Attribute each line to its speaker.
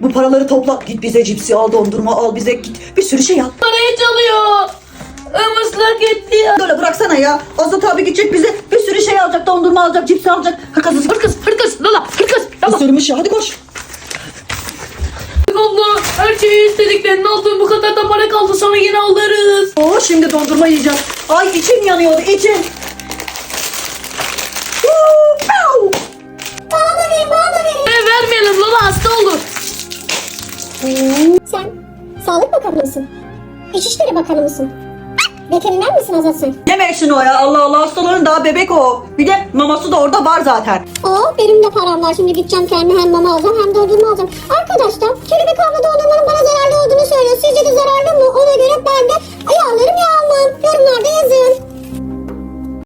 Speaker 1: bu paraları topla. Git bize cipsi al, dondurma al, bize git bir sürü şey al.
Speaker 2: Parayı çalıyor. Islak etti ya.
Speaker 1: Böyle bıraksana ya. Azat abi gidecek bize bir sürü şey alacak, dondurma alacak, cipsi alacak.
Speaker 2: Hırkız Lala hırkız.
Speaker 1: Isırmış ya, hadi koş.
Speaker 2: Allah her şeyi istediklerini aldım, bu kadar da para kaldı, sonra yine alırız.
Speaker 1: Oo, şimdi dondurma yiyeceğiz. Ay içim yanıyor, içim.
Speaker 3: Bana da verin.
Speaker 2: Vermeyelim Lala, hasta olur.
Speaker 3: Sen Sağlık Bakanı mısın? İçişleri Bakanı mısın? Veteriner misin Azat sen?
Speaker 1: Yeme şunu ya, Allah Allah, hastaların daha bebek o. Bir de maması da orada var zaten.
Speaker 3: Benim de param var. Şimdi gideceğim kendime hem mama alacağım hem dondurma alacağım. Arkadaşlar kelebek abla dondurmanın bana zararlı olduğunu söylüyor. Sizce de zararlı mı? Ona göre ben de alırım ya almam. Yorumlarda yazın.